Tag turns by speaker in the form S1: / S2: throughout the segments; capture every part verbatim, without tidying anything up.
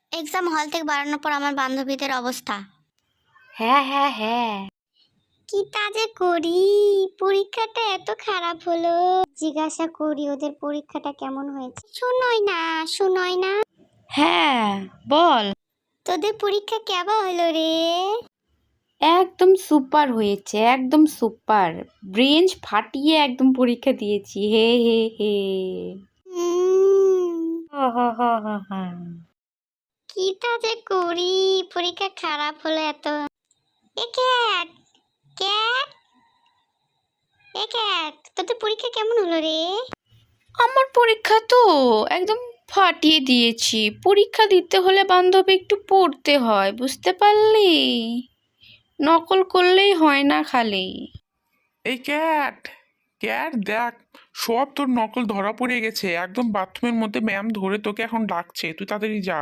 S1: Exam হল থেকে বাড়ানোর পর আমার বান্ধবীদের অবস্থা।
S2: হ্যাঁ হ্যাঁ হ্যাঁ
S1: কি কাজে করি, পরীক্ষাটা এত খারাপ হলো। জিজ্ঞাসা করি ওদের পরীক্ষাটা কেমন হয়েছে। শুনোই না শুনোই না
S2: হ্যাঁ বল।
S1: তোদের পরীক্ষা কেমন হলো রে?
S2: একদম সুপার হয়েছে, একদম সুপার। ব্রেঞ্চ ফাটিয়ে একদম পরীক্ষা দিয়েছি। হে হে হে
S1: উম,
S2: হা হা হা হা হা।
S1: কি কাজে করি, পরীক্ষা খারাপ হলো এত। A cat cat a cat তোদের পরীক্ষা কেমন হলো রে?
S2: আমার পরীক্ষা তো একদম ফাটিয়ে দিয়েছি। পরীক্ষা দিতে হলে বান্ধবী একটু পড়তে হয়, বুঝতে পারলি? নকল করলেই হয় না খালি।
S3: এই ক্যাট ক্যাট দেখ, সব তোর নকল ধরা পড়ে গেছে। একদম বাথরুমের মধ্যে ম্যাম ধরে তোকে এখন ডাকছে, তুই তাড়াতাড়ি যা।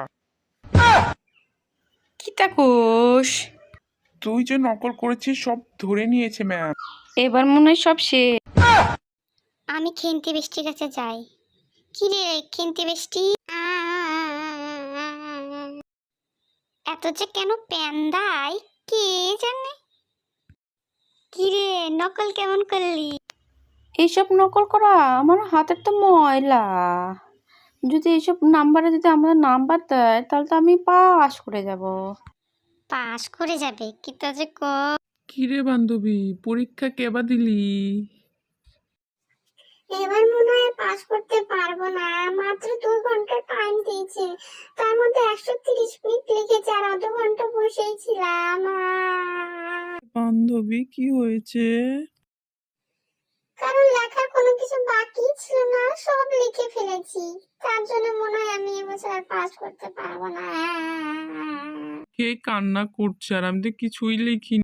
S2: কি তাকোস?
S3: তুই যে নকল করেছিস সব ধরে নিয়েছে ম্যাম।
S2: এবার মনে হয় সব শেষ।
S1: আমি খেন্তি বৃষ্টির কাছে যাই। কি রে খেন্তি বৃষ্টি, এত যে কেন প্যান দেয় কে জানে। কি রে নকল কেমন করলি?
S2: এইসব নকল করা আমার হাতের তো ময়লা। যদি এইসব নাম্বারে যদি আমাদের নাম্বার দেয় তাহলে তো আমি পাস করে যাব।
S1: পাস করে যাবে কি তা যে ক।
S3: কিরে বান্ধবী, পরীক্ষা কেবা দিলি?
S1: এবার মনে হয় পাস করতে পারবো না, মাত্র দুই ঘন্টা টাইম দিয়েছে, তার মধ্যে একশো তিরিশ মিনিট লিখেছে আর আধ ঘন্টা বসেই ছিলাম।
S3: বান্ধবী কি হয়েছে?
S1: কারণ লেখার কোনো কিছু বাকি ছিল না, সব লিখে ফেলেছি। তার জন্য মনে হয় আমি এবছর আর পাস করতে পারবো না।
S3: কে কান্না করছে? আর আমি তো কিছুই লিখিনি।